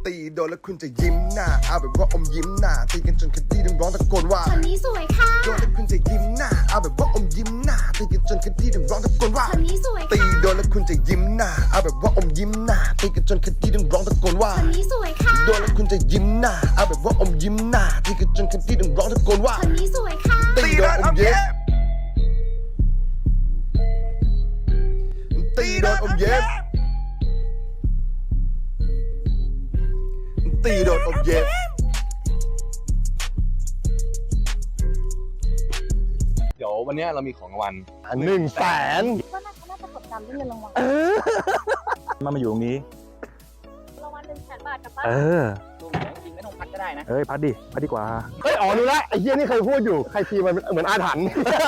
ตีโดนแล้วคุณจะยิ้มหน้าเอาแบบว่าอมยิ้มหน้าตีกันจนคดีต้องร้องตะโกนว่าคนนี้สวยค่ะโดนแล้วคุณจะยิ้มหน้าเอาแบบว่าอมยิ้มหน้าตีกันจนคดีต้องร้องตะโกนว่าคนนี้สวยตีค่ะโดนแล้วคุณจะยิ้มหน้าเอาแบบว่าอมยิ้มหน้าตีกันจนคดีต้องร้องตะโกนว่าคนนี้สวยค่ะโดนแล้วคุณจะยิ้มหน้าเอาแบบว่าอมยิ้มหน้าตีกันจนคดีต้องร้องตะโกนว่าคนนี้สวยค่ะตีโดนอมเย็บตีโดนอมเย็บตีโดนอมเย็บเดี๋ยววันนี้เรามีของรางวัล 100,000 ก็น่าจะกดดันด้วยเงินรางวัลมาอยู่ตรงนี้รางวัล100,000 บาทกลับบ้านดูจริงไม่ต้องพัดก็ได้นะพัดดีกว่าเฮ้ยอ๋อรู้แล้วไอ้เหี้ยนี่เคยพูดอยู่ใครทีมันเหมือนอาถรรพ์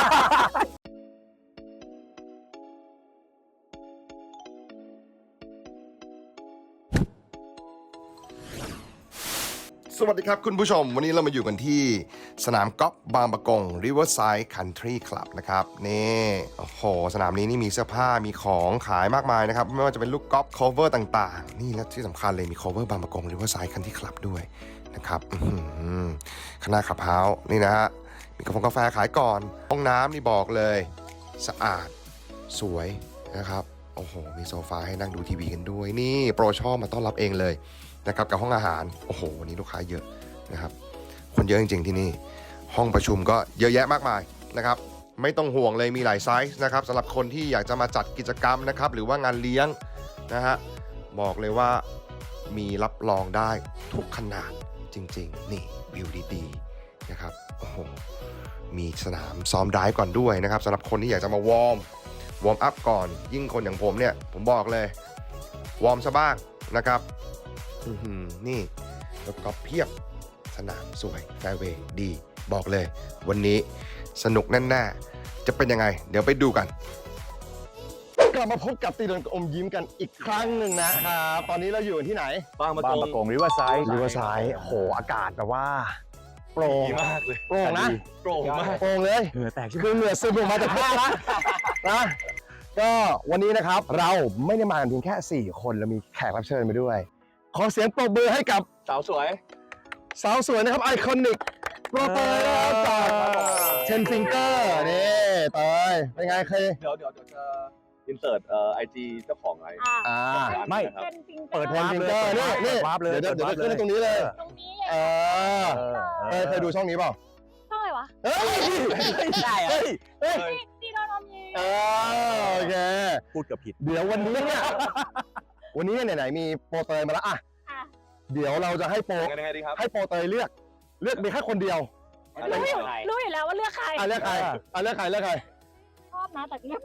สวัสดีครับคุณผู้ชมวันนี้เรามาอยู่กันที่สนามกอล์ฟบางปะกง Riverside Country Club นะครับนี่โอ้โหสนามนี้นี่มีเสื้อผ้ามีของขายมากมายนะครับไม่ว่าจะเป็นลูกกอล์ฟ cover ต่างๆนี่และที่สำคัญเลยมี cover บางปะกง Riverside Country Club ด้วยนะครับคณะขับเฮาส์นี่นะฮะมีกาแฟขายก่อนห้องน้ำนี่บอกเลยสะอาดสวยนะครับโอ้โหมีโซฟาให้นั่งดูทีวีกันด้วยนี่โปรชอบมาต้อนรับเองเลยนะครับกับห้องอาหารโอ้โหวันนี้ลูกค้าเยอะนะครับคนเยอะจริงๆที่นี่ห้องประชุมก็เยอะแยะมากมายนะครับไม่ต้องห่วงเลยมีหลายไซส์นะครับสำหรับคนที่อยากจะมาจัดกิจกรรมนะครับหรือว่างานเลี้ยงนะฮะบอกเลยว่ามีรับรองได้ทุกขนาดจริงๆนี่วิวดีๆนะครับโอ้โหมีสนามซ้อมไดฟ์ก่อนด้วยนะครับสำหรับคนที่อยากจะมาวอร์มอัพก่อนยิ่งคนอย่างผมเนี่ยผมบอกเลยวอร์มซะบ้างนะครับนี่รถกอล์ฟเพียบสนามสวยแฟร์เวย์ดีบอกเลยวันนี้สนุกแน่ๆจะเป็นยังไงเดี๋ยวไปดูกันกลับมาพบกับตีโดนอมยิ้มกันอีกครั้งหนึ่งนะครับตอนนี้เราอยู่ที่ไหนบางปะกง Riverside โหอากาศแบบว่าโปร่งดีมากเลยโปร่งนะโปร่งมากโปร่งเลยเหงื่อแตกใช่ไหมคือเหงื่อซึมออกมาจากผ้าแล้วนะก็วันนี้นะครับเราไม่ได้มากันเพียงแค่4คนเรามีแขกรับเชิญมาด้วยขอเสียงปรบมือให้กับสาวสวยนะครับไอคอนิกโปรเตอร์จากเชนฟิงเกอร์นี่เตยเป็นไงเคยเดี๋ยวจะอินเสิร์ตIG เจ้าของอะไรไม่เปิดเชนฟิงเกอร์นี่วาร์ปเลยเดี๋ยวขึ้นตรงนี้เลยตรงนี้เลยเคยดูช่องนี้เปล่าช่องอะไรวะได้เหรอตีโดนอมยิ้มโอเคพูดกับผิดเดี๋ยววันนี้เนี่ยไหนๆมีโปรเตยมาแล้วอ่ะเดี๋ยวเราจะให้โปรเตยเลือกมีแค่คนเดียวรู้อยู่แล้วว่าเลือกใครเลือกใครชอบนะแต่เลือก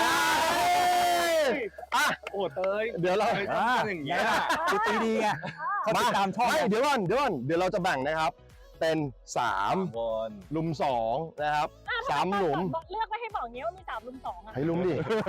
โอ้เตยเดี๋ยวเราอย่างเงี้ยตีดีไงเขาติดตามช่องเดี๋ยวเราจะแบ่งนะครับเป็น3 ลุม 2นะครับ3 หลุมเลือกไม่ให้บอกเงี้ยว่ามี3 ลุม 2อ่ะให้ลุมดิ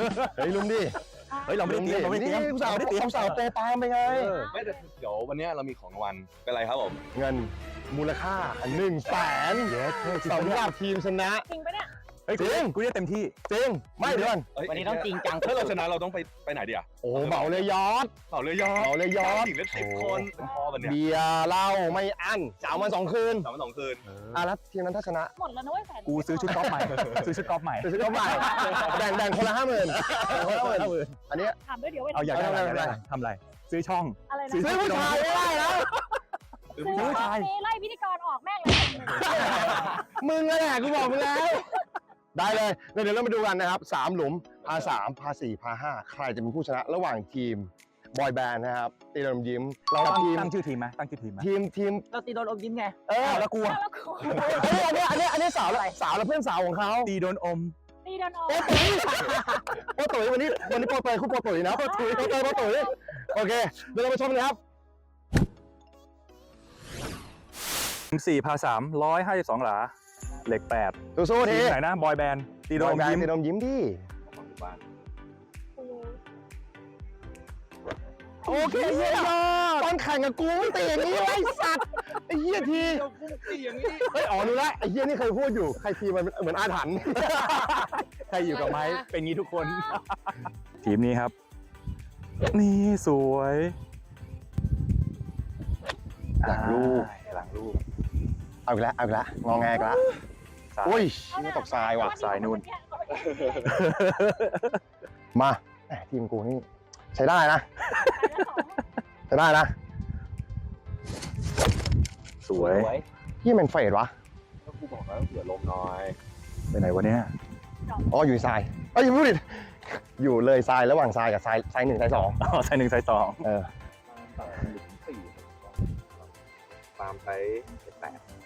เราไม่ได้เตรียมสาวโปรปาไปไงไม่แต่เดี๋ยววันนี้เรามีของรางวัลเป็นอะไรครับผมเงินมูลค่า100,000สำหรับทีมชนะจริงปะเนี่ยจริงกูจะเต็มที่จริงไม่เดี๋ยววันนี้ต้องจริงจังถ้าเราชนะเราต้องไปไหนดีอ่ะโอ้เหมาเลยยอดถึงเล่น10 คนเป็นพอวันเนี้ยเบียร์เหล้าไม่อั้น3 วัน 2 คืนแล้วทีมนั้นถ้าชนะหมดแล้วนะเว้ยแฟนกูซื้อชุดกอล์ฟใหม่แบ่งคนละ 50,000อันนี้ถามด้วยเดี๋ยวไปเอาอยากได้อะไรทำอะไรซื้อช่องอะไรนะซื้อผู้ชายไม่ได้นะซื้อผู้ชายไล่พิธีกรออกแม่งเลยมึงนั่นแหละกูบอกมึงแล้วได้เลยเดี๋ยวเรามาดูกันนะครับ3 หลุมพา3พา4พา5ใครจะเป็นผู้ชนะระหว่างทีมบอยแบนด์นะครับตีโดนอมยิ้มเราตั้งชื่อทีมไหมทีมเราตีโดนอมยิ้มไงแล้วกูอันนี้สาวแล้วเพื่อนสาวของเขาตีโดนอมโปรตุ๋ยวันนี้โปรเตยคุณโปรตุ๋ยนะโปรตุ๋ยโอเคเดี๋ยวเราไปชมเลยครับ 4พา3 152 หลาเหล็ก8 สู้ๆทีไหนนะบอยแบนด์ตีโดนยิ้มดิโอเคเยี่ยมตอนแข่งกับกูไม่ตีอย่างนี้ไอ้สัตว์ไอ้เหี้ยทีเฮ้ยอ๋อรู้แล้วไอ้เหี้ยนี่เคยพูดอยู่ใครทีมันเหมือนอาถรรพ์ใครอยู่กับไม้เป็นงี้ทุกคนทีมนี้ครับนี่สวยหลังลูกหลังลูกเอาอีกแล้วงอแงอีกแล้วอุ้ยไม่ตกทรายว่ะทรายนู่นมาแหม่ทีมกูนี่ใช้ได้นะใช้ได้นะสวยที่มันเฟดวะก็กูบอกแล้วเผื่อลมหน่อยไปไหนวะเนี่ยอ๋ออยู่ในทรายเอ้ยอย่าพูดดิอยู่เลยทรายระหว่างทรายกับทราย1ทราย2 อ๋อไซส์1ไซส์2 เออตามไซส์8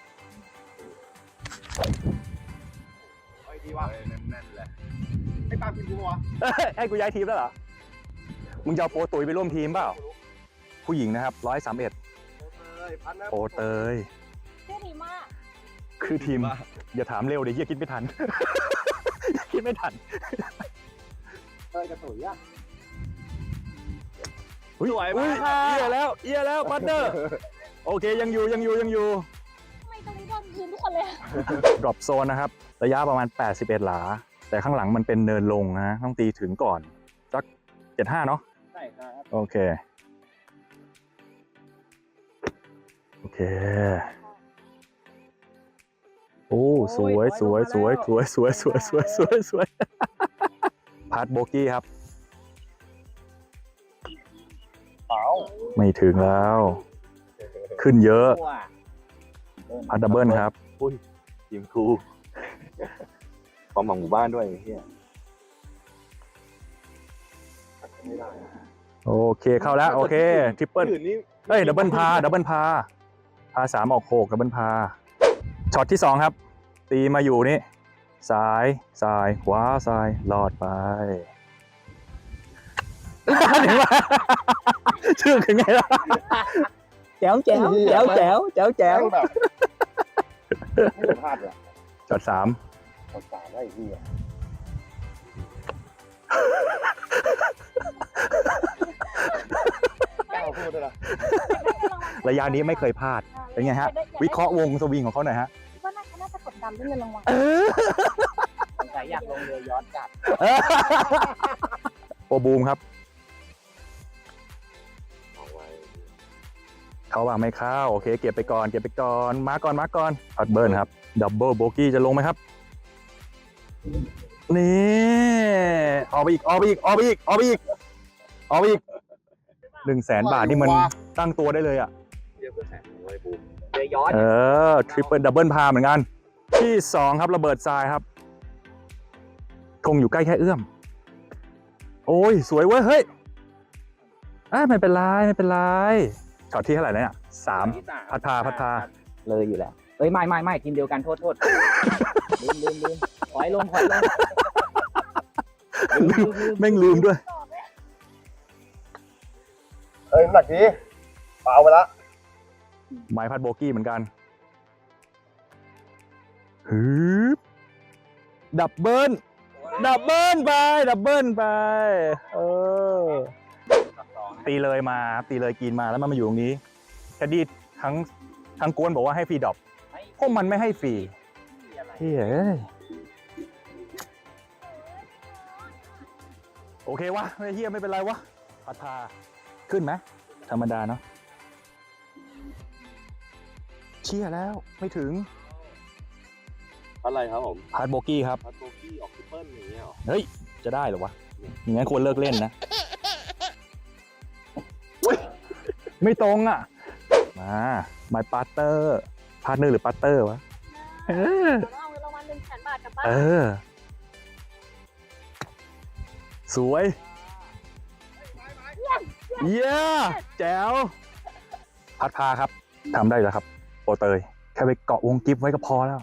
เฮ้ยดีว่ะแน่นๆเลยไอ้ปาล์มทีมกูวะให้กูย้ายทีมแล้วเหรอ มึงจะเอาโปรตุ๋ยไปร่วมทีมเปล่า ผู้หญิงนะครับ131โปรเตยชื่อดีมากคือทีม อย่าถามเร็วเดี๋ยวเฮียคิดไม่ทัน คิดไม่ทันเฮ้ยกระตุ๋ยอ่ะสวยมากเอียแล้วพาร์ทเนอร์โอเคยังอยู่ทำไมตรงนี้โดนยืนทุกคนเลยดรอปโซนนะครับ ระยะประมาณ81หลา แต่ข้างหลังมันเป็นเนินลงนะต้องตีถึงก่อนสัก75เนาะใช่ครับโอเคโอ้สวยพาร์ทโบกี้ครับไม่ถึงแล้ว ขึ้นเยอะตัวพาร์ทดับเบิลครับทีมกูความหวังหมู่บ้านด้วยไอ้เฮียโอเคเข้าแล้วโอเคทริปเปิลอื่นนี่เอ้ยดับเบิลพา3ออก6ดับเบิลพาช็อตที่2ครับ ตีมาอยู่นี่ซ้ายขวาซ้ายลอดไปถึงว่าชื่อคือไงล่ะแจ๋วแม่งแบบไม่สัมภาษณ์เลยช็อต3 เขาสามได้อีกทีอ่ะกล้าพูดด้วยนะระยะนี้ไม่เคยพลาดเป็นไงฮะ วิเคราะห์วงสวิงของเขาหน่อยฮะว่าน่าจะกดดันด้วยเงินรางวัลสงสัยอยากลงเรือย้อนกลับโปรบูมครับเอาไว้เขาวางไม่เข้าโอเคเก็บไปก่อนมาก่อนพัดเบิร์นครับดับเบิลโบกี้จะลงไหมครับนี่ออกไปอีก100,000 บาทนี่มันตั้งตัวได้เลยอ่ะเยอะเพื่อแสนไว้บูมเรือย้อนทริปเปิลดับเบิลพาเหมือนกันที่2ครับระเบิดทรายครับธงอยู่ใกล้แค่เอื้อมโอ้ยสวยเว้ยเฮ้ยไม่เป็นไรช็อตที่เท่าไหร่แล้วเนี่ย3พัดพาเลยอยู่แล้วเอ้ยไม่ทีมเดียวกันโทษลืมถอยลงแม่งลืมด้วยเอ้ยหนักดีเปล่าไปละไม้พัดโบกี้เหมือนกันฮึบดับเบิลไปตีเลยมาตีเลยกินมาแล้วมันมาอยู่ตรงนี้แคดดี้ทั้งกวนบอกว่าให้ฟรีดรอปพวกมันไม่ให้ฟรีเฮ้ยโอเควะไม่เฮียไม่เป็นไรวะพัดพาขึ้นไหมธรรมดาเนาะเชี่ยแล้วไม่ถึงอะไรครับผมพาร์ทโบกี้ครับพัดโบกี้ออกทริปเปิลอย่างเงี้ยหรอเฮ้ยจะได้เหรอวะอย่างงั้นควรเลิกเล่นนะไม่ตรงอ่ะมาไมปาร์เตอร์พาร์ทเนอร์หรือปาร์เตอร์วะเอาเงินรางวัล100,000 บาทกลับบ้านสวยเย้แจ๋วพัดพาครับทำได้แล้วครับโปรเตยแค่ไปเกาะวงกิฟไว้ก็พอแล้ว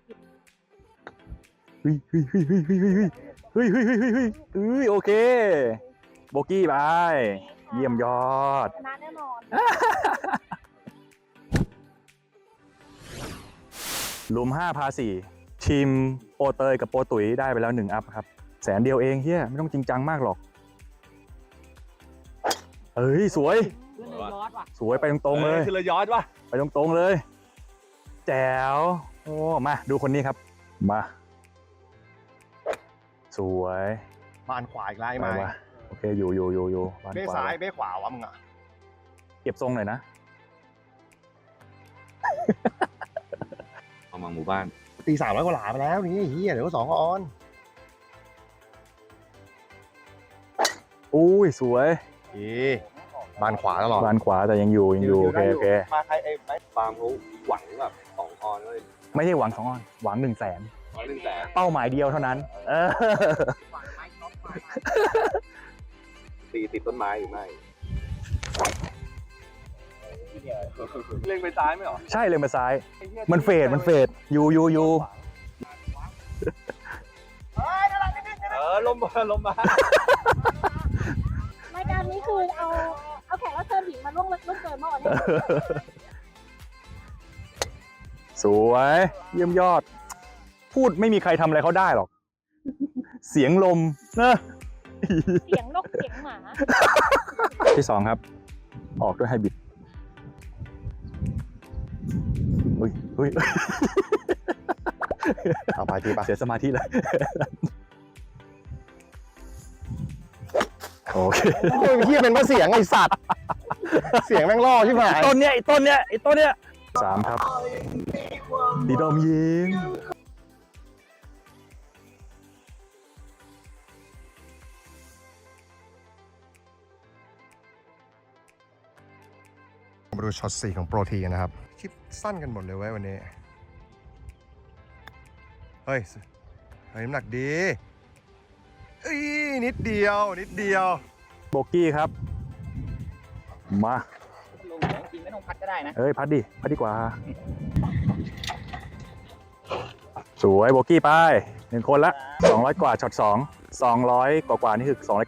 เฮ้ยโอเคโบกี้ไปเยี่ยมยอดชนะแน่นอนหลุม5พา4ทีมโปรเตยกับโปรตุ๋ยได้ไปแล้ว1อัพครับ100,000 เดียวเองเฮียไม่ต้องจริงจังมากหรอกเอ้ยสวยเรือย้อนว่ะสวยไปตรงๆเลยคือเลยย้อนวะไปตรงๆเลยแจ๋วโอ้มาดูคนนี้ครับมาสวยบานขวาอีกไล่ไหมวะโอเคอยู่บ้านเบ้ขวาซ้ายเบ้ขวาวะมึงอ่ะเก็บทรงหน่อยนะเอามาหมู่บ้านตี300 กว่าหลาไปแล้วนี่เฮียเดี๋ยวก็2 ออนอุ้ยสวยบานขวาตลอดบานขวาแต่ยังอยู่โอเคโอเคมาใครไอ้ปาล์มเขาหวังแบบ2 ออนเลยไม่ใช่หวัง2 ออนหวัง100,000 100,000 เป้าหมายเดียวเท่านั้นตีติดต้นไม้หรือไม่เล็งไปซ้ายไหมหรอใช่เลยมาซ้าย มันเฟดอยู่ลมมารายการนี้คือเอาแขกรับเชิญหญิงมาล่วงเกินเมื่อวานเนี่ยสวยเยี่ยมยอด พูดไม่มีใครทำอะไรเขาได้หรอก เสียงลมนะเสียงนกเสียงหมาที่ 2 ครับ ออกด้วยไฮบริดเฮ้ยเอาไปทีปะเสียสมาธิเลย โอเคโอ้ยเฮียเป็นมาเสียงไอสัตว์ เสียงแม่งล่อใช่ไหมต้นเนี้ย3 ครับดีดอมยิงมาดูช็อต4ของโปรทีนะครับคลิปสั้นกันหมดเลยเว้ยวันนี้ เฮ้ยน้ำหนักดีนิดเดียวโบกี้ครับ มาลงจริงไม่ต้องพัดก็ได้นะเอ้ย พัดดีกว่า สวยโบกี้ไป1 คนละ200 กว่าช็อต2 200 กว่านี่คือ298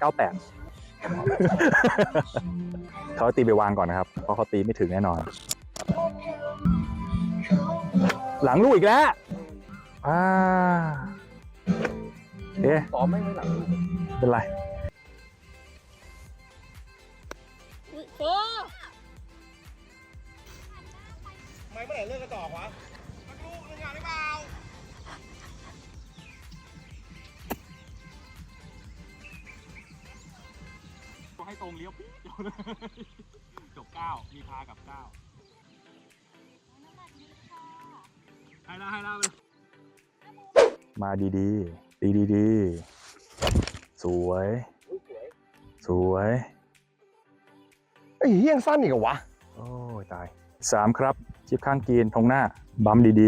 เขาตีไปวางก่อนนะครับ เพราะเขาตีไม่ถึงแน่นอน หลังลูกอีกแล้วเอ๊ะซ้อมไม่หลังเป็นไรไม่เมื่อไหร่เลิกกระจอกวะมันลูกนึงอ่ะหรือเปล่าให้ตรงเลี้ยวปุ๊บจบ9มีพากับ9ให้ละเลยมาดีสวยไอ้เฮี้ยงสั้นอีกเหรอวะโอ้ยตาย3 ครับชิปข้างกีนทงหน้าบัมดี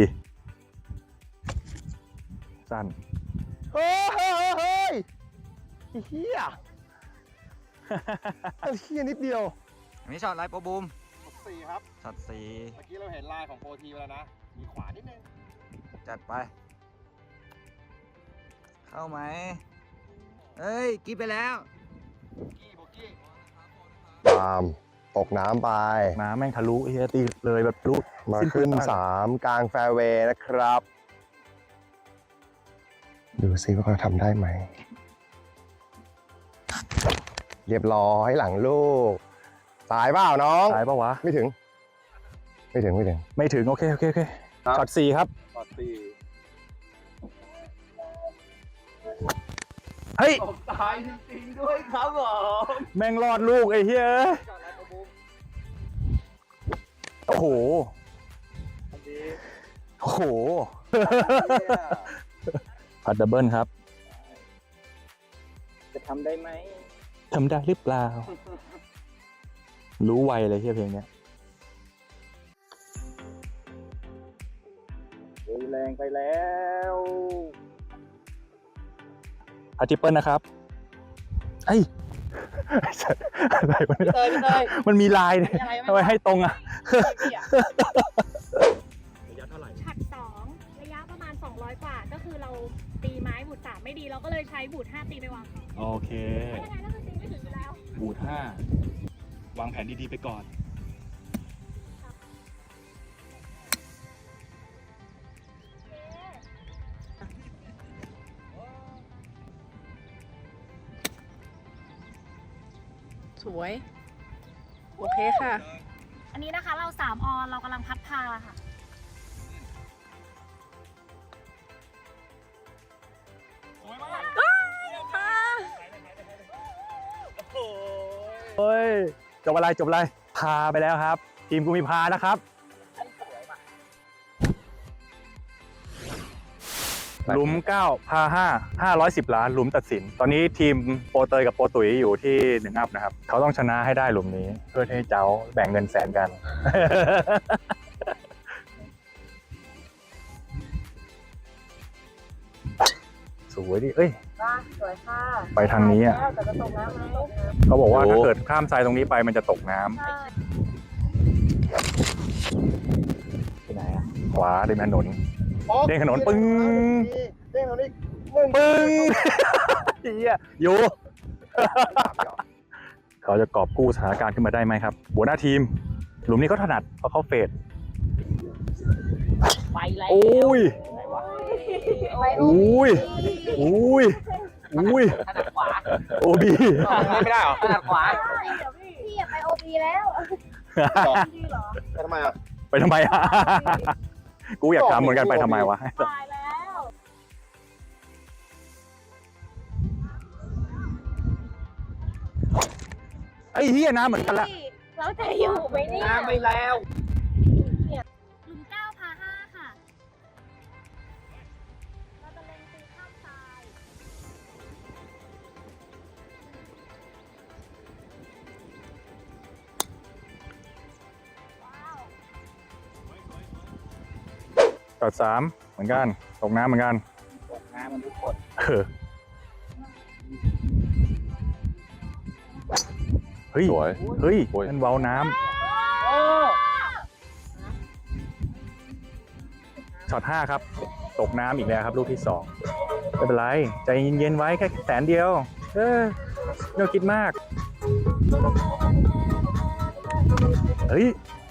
สั้นเฮ้ยไอ้เฮี้ยไอ้เฮี้ยนิดเดียวอันนี้ช็อตอะไรโปรบูม 4 ครับช็อตเมื่อกี้เราเห็นลายของโปรทีไปแล้วนะ มีขวานิดนึง 4จัดไป เข้าไหมเอ้ยกินไปแล้วตามตกน้ำไปน้ำแม่งทะลุเฮียตีเลยแบบทะลุมาสิ้ขึ้นเปลือก 3 กลางแฟร์เวย์นะครับ ดูซิว่าเขาทำได้ไหม เรียบร้อยหลังลูก ตายเปล่าน้องตายปะวะไม่ถึงไม่ถึงโอเคช็อต4 ครับช็อต4 เฮ้ยตายจริงๆด้วยครับผมแม่งรอดลูกไอ้เฮียโอ้โห พัดดับเบิลครับจะทำได้ไหมทำได้หรือเปล่า รู้ไวเลยเฮียเพลงเนี้ยแรงไปแล้วพัดจิปเปิลนะครับไอ้สัตว์อะไรวะเนี่ยพี่เตยมันมีลายเนี่ยอะไรทำไมให้ตรงอ่ะฉัด2ระยะประมาณ200 กว่า ก็คือเราตีไม้บูด3ไม่ดีเราก็เลยใช้บูด5ตีไปวางก่อนโอเคไม่ยังไงก็คือตีไม่ถึงอยู่แล้วบูท5วางแผนดีๆไปก่อนสวย โอเคค่ะอันนี้นะคะเรา3 ออนเรากำลังพัดพาค่ะเฮ้ยจบอะไรพาไปแล้วครับ ทีมกูมีพานะครับหลุม 9 พา 5 510 ล้านหลุมตัดสิน ตอนนี้ทีมโปรเตยกับโปรตุ๋ยอยู่ที่1 อัพนะครับ เขาต้องชนะให้ได้หลุมนี้ เพื่อให้เจ้าแบ่งเงินแสนกัน สวยดิ เอ้ยสวยค่ะไปทางนี้อ่ะแต่จะตกน้ำไหมเขาบอกว่าถ้าเกิดข้ามทรายตรงนี้ไปมันจะตกน้ำไปไหนอ่ะขวาริมถนน เด้งถนนปึ้งเด้งถนนอีกปึ้งเฮียอยู่ เขาจะกอบกู้สถานการณ์ขึ้นมาได้ไหมครับ หัวหน้าทีม หลุมนี้เขาถนัดเพราะเขาเฟดไปแล้วโอ้ยไหนวะอุ้ยอุ้ยอุ้ยถนัดขวาโอบีไม่ได้เหรอถนัดขวาพี่อย่าไปโอบีแล้วไปทำไมอ่ะไปทำไมอ่ะ กูอยากถามเหมือนกันไปทำไมวะตายแล้วไอ้เฮียน้ำเหมือนกันละเราจะอยู่ไหมเนี่ยน้ำไปแล้วหลุม 9 พา 5 ค่ะ เราจะเล็งตีข้ามทราย ว้าวตัด3เหมือนกัน ตกน้ำเหมือนกันตกน้ำมันทุกคนเออเฮ้ย เฮ้ยมันเว้าน้ำโอ้ช็อต 5 ครับ ตกน้ำอีกแล้วครับ ลูกที่ 2 ไม่เป็นไร ใจเย็นๆไว้แค่แสนเดียว เออไม่ต้องคิดมาก เฮ้ย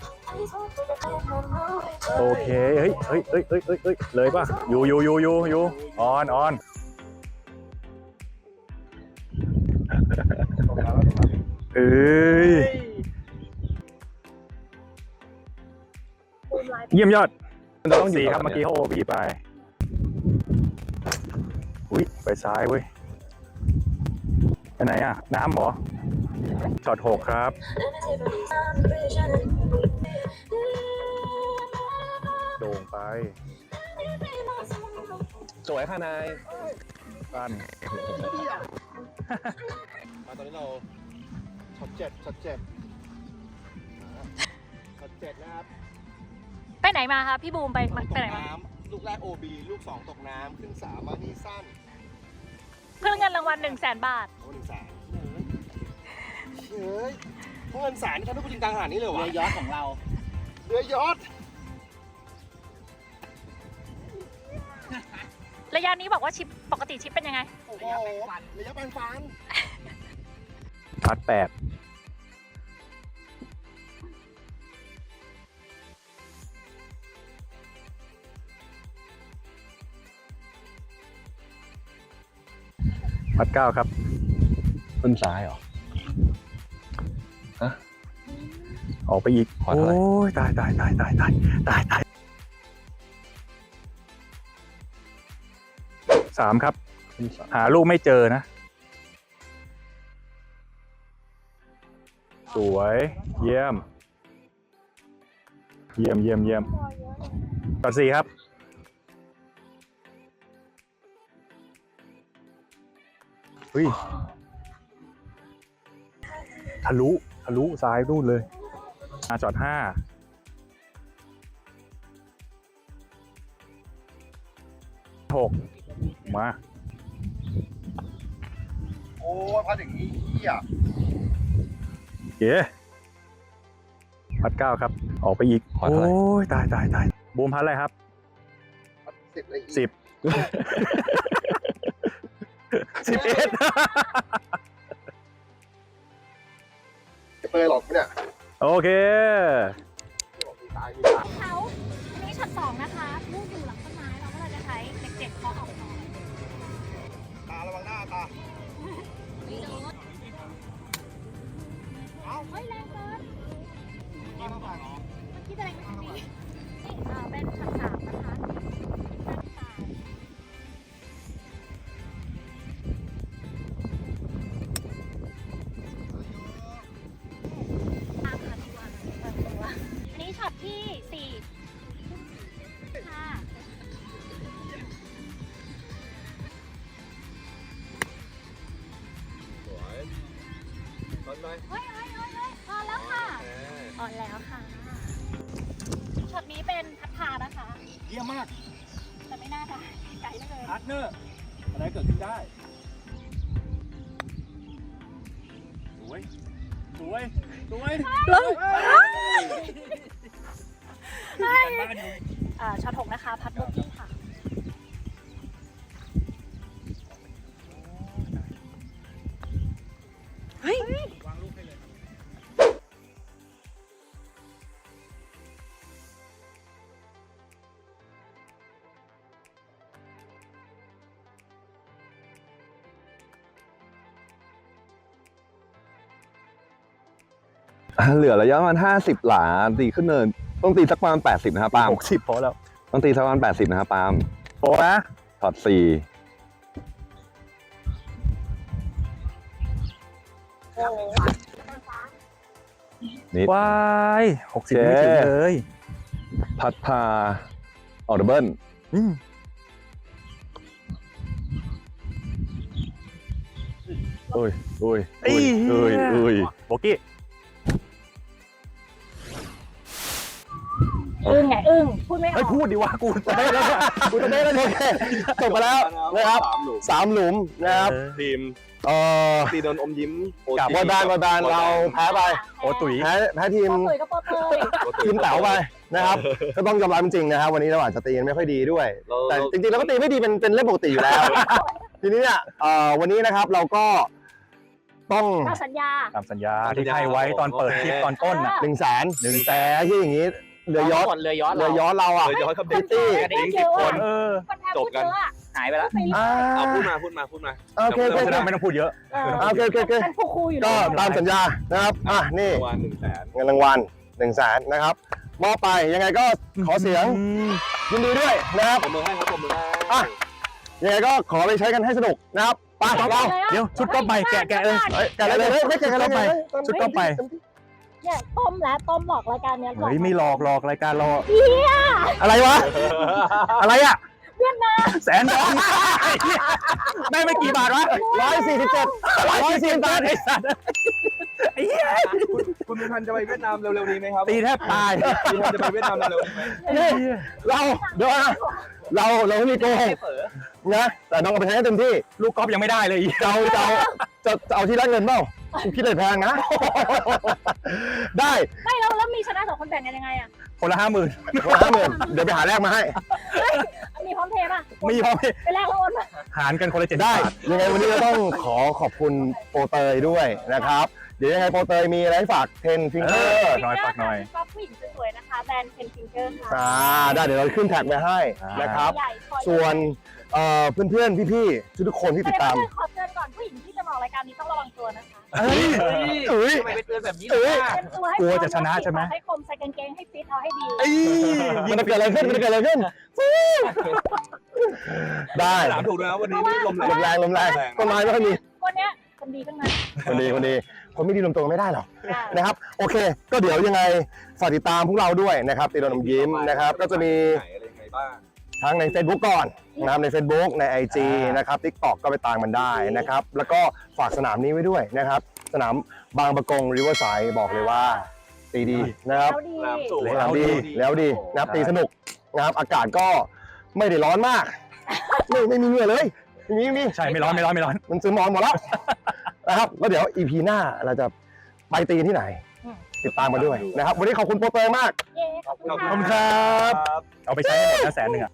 โอเค เฮ้ยเลยป่ะ อยู่ออน เอ้ย เยี่ยมยอด4ครับ เมื่อกี้เขาโอบีไป อุ้ยไปซ้ายเว้ย ไปไหนอ่ะ น้ำเหรอ ช็อต 6 ครับ โด่งไปสวยค่ะนายสั้นมาตอนนี้เราช็อตเจ็ดนะครับไปไหนมาคะพี่บูมไปไหนมาลูกแรก OB ลูก 2 ตกน้ำขึ้น 3 มานี่สั้นเพื่อเงินรางวัล100,000 บาทโอ้1 แสนเฮ้ยพวกเงินแสนนี่ทำให้กูจริงจังขนาดนี้เลยวะเรือยอชต์ของเราเรือยอชต์ระยะนี้บอกว่าชิปปกติชิปเป็นยังไงโอ้โหระยะแปลงฟันพัด 8 พัด 9 ครับขึ้นซ้ายเหรอออกไปอีกขอโอ้เท่าไหร่ยตาย3 ครับขึ้นซ้ายหาลูกไม่เจอนะ สวย เยี่ยมตัด 4 ครับ เฮ้ย ทะลุซ้ายนู่นเลยจอด 5 6 มาโอ้ยพัดอย่างนี้เหี้ยเก๋พัด 9 ครับ ออกไปอีกขอเท่าไหร่โอ้ยตายบูมพัดอะไรครับพัด10เลยอีก 10 11 จะเปย์หรอกเนี่ยโอเคตายเขาอันนี้ช็อต 2 นะคะ ลูกอยู่หลังต้นไม้ เราก็เลยจะใช้เด็กๆเคาะออกก่อนตาระวังหน้าตาเฮ้ยแรงเกินเมื่อกี้จะแรงไม่ทันนี้นี่เป็นช็อต 3 นะคะด้านซ้ายตามค่ะตัวอันนี้ช็อตที่ 4 ค่ะช็อตนี้เป็นพัดพานะคะเยี่ยมมากแต่ไม่น่าได้ไกลเหลือเกินพาร์ทเนอร์อะไรเกิดขึ้นได้ สวย สวย สวยแล้วช็อต 6นะคะ พัดโบกี้ค่ะเฮ้ยเหลือระยะประมาณ50 หลาตีขึ้นเนินต้องตีสักประมาณ80นะครับปาล์ม 60พอแล้วต้องตีสักประมาณ80นะครับปาล์มโปนะช็อต4นิดวาย60ไม่ถึงเลยพัดพาออกดับเบิ้ลอืมอุ้ยอุ้ยไอ้อุ้ยเหี้ยอุ้ยอุ้ยโบกี้อึ้งไงอึ้งพูดไม่อเฮ้ยอกพูดดิวะกูจะได้แล้วเนี่ยกูจะได้แล้วเนี่ยจบไปแล้วนะครับ3 หลุมนะครับ ทีม ตีโดนอมยิ้มกับวอดานเราแพ้ไปโอ้ตุ๋ยแพ้ทีมโปรตุยก็โปรตุยทีมแต๋วไปนะครับ ก็ต้องยอมรับจริงๆนะครับ วันนี้เราอาจจะตีกันไม่ค่อยดีด้วย แต่จริงๆเราก็ตีไม่ดีเป็นเรื่องปกติอยู่แล้ว ทีนี้เนี่ยวันนี้นะครับเราก็ต้องตามสัญญาตามสัญญาที่ให้ไว้ตอนเปิดคลิปตอนต้นน่ะ 100,000แต่ที่อย่างนี้เรือย้อนเรือย้อนเรือย้อนเราอ่ะเรือย้อนครับพิตตี้คนแพ้10 คนเออคนแพ้พูดเยอะอะหายไปแล้วไปเรื่อยเอาพูดมาโอเคเราชนะไม่ต้องพูดเยอะโอเคมันคูลๆอยู่ก็แล้วตามสัญญานะครับนี่เงินรางวัล100,000นะครับมอบไปยังไงก็ขอเสียงยินดีด้วยนะครับผมมือให้ยังไงก็ขอไปใช้กันให้สนุกนะครับไปเราเดี๋ยวชุดก๊อฟใหม่แกะเลยแกะเลยไม่แกะเลยชุดก๊อฟใหม่เนี่ยต้มหลอกรายการเนี้ยเฮ้ยไม่หลอกรายการเราอะไรวะอะไรอ่ะ 100,000 ได้ไม่กี่บาทวะ 147 บาทไอ้สัตว์ไอ้เหี้ยคุณมีพันจะไปเวียดนามเร็วๆนี้ไหมครับตีแทบตายมีพันจะไปเวียดนามเร็วๆนี้ไหมนี่เราไม่มีโกหกนะแต่น้องเอาไปใช้ให้เต็มที่ลูกก๊อฟยังไม่ได้เลยจะเอาที่แรกเงินเปล่าคิดเลยแพงนะ ได้ไม่แล้วมีชนะ2 คนแบ่งกันยังไงอะคนละ 50,000 เดี๋ยวไปหาแรกมาให้มีพร้อมเพย์ป่ะมีพอไหมไปแลกแล้วโอนมาหารกันคนละ7 ได้บาทยังไงวันนี้เราต้องขอบคุณโปรเตยด้วยนะครับ เดี๋ยวยังไงโปรเตยมีอะไรให้ฝาก10 ฟิงเกอร์หน่อยฝากหน่อยก็ผู้หญิงสวยๆนะคะแบรนด์เพนฟิงเกอร์ค่ะได้เดี๋ยวเราขึ้นแท็กไปให้นะครับใหญ่คอยส่วนเพื่อนๆพี่ๆทุกคนที่ติดตามขอเตือนก่อนผู้หญิงที่จะมาออกรายการนี้ต้องระวังตัวนะคะเฮ้ยทำไมไปเตือนแบบนี้เตรียมตัวให้กลัวจะชนะใช่ไหมให้คมใส่กางเกงให้ฟิตเอาให้ดีมันจะเกิดอะไรขึ้นได้ถามถูกด้วยนะวันนี้ลมลมแรงต้นไม้ไม่ค่อยมีวันเนี้ยคนดีขึ้นมาคนดีคนไม่ดีรวมตัวไม่ได้หรอกนะครับโอเคก็เดี๋ยวยังไงฝากติดตามพวกเราด้วยนะครับตีโดนมยิ้มนะครับก็จะมีอะไรยังไงบ้างทั้งใน Facebook ก่อนนะครับใน Facebook ใน IG นะครับ TikTok ก็ไปตามมันได้นะครับแล้วก็ฝากสนามนี้ไว้ด้วยนะครับสนามบางประกง Riverside บอกเลยว่าตีดีนะครับแล้วดีน้ำสูงแล้วดีนะครับตีสนุกนะครับอากาศก็ไม่ได้ร้อนมาก ไม่มีเหงื่อเลยมีใช่ไม่ร้อนมันซึมนอนหมดแล้ว นะครับแล้วเดี๋ยว EP หน้าเราจะไปตีกันที่ไหน ติดตามมาด้วยนะครับวันนี้ขอบคุณโปรเตอร์มากเย้ขอบคุณขอบค่ะคุณครับ เอาไปใช้ให้หมดนะ100,000อ่ะ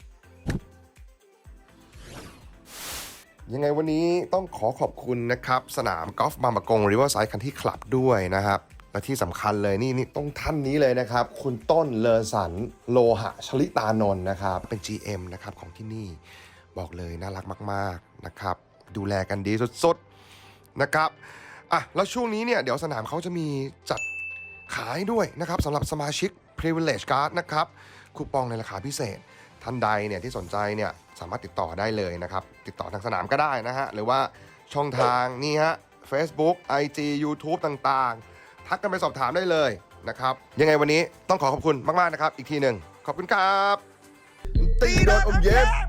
ยังไงวันนี้ต้องขอบคุณนะครับสนามกอล์ฟบางประกง Riverside Country Club ด้วยนะครับและที่สำคัญเลยนี่ต้องท่านนี้เลยนะครับคุณต้นเลอสันโลหะชลิตานนท์นะครับเป็น GM นะครับของที่นี่บอกเลยน่ารักมากๆนะครับดูแลกันดีสุดๆนะครับแล้วช่วงนี้เนี่ยเดี๋ยวสนามเขาจะมีจัดขายด้วยนะครับสำหรับสมาชิก Privilege Card นะครับคูปองในราคาพิเศษท่านใดเนี่ยที่สนใจเนี่ยสามารถติดต่อได้เลยนะครับติดต่อทางสนามก็ได้นะฮะหรือว่าช่องทางนี่ฮะ Facebook IG YouTube ต่างๆทักกันไปสอบถามได้เลยนะครับยังไงวันนี้ต้องขอบคุณมากๆนะครับอีกทีหนึ่งขอบคุณครับตีโดนอมเย็บ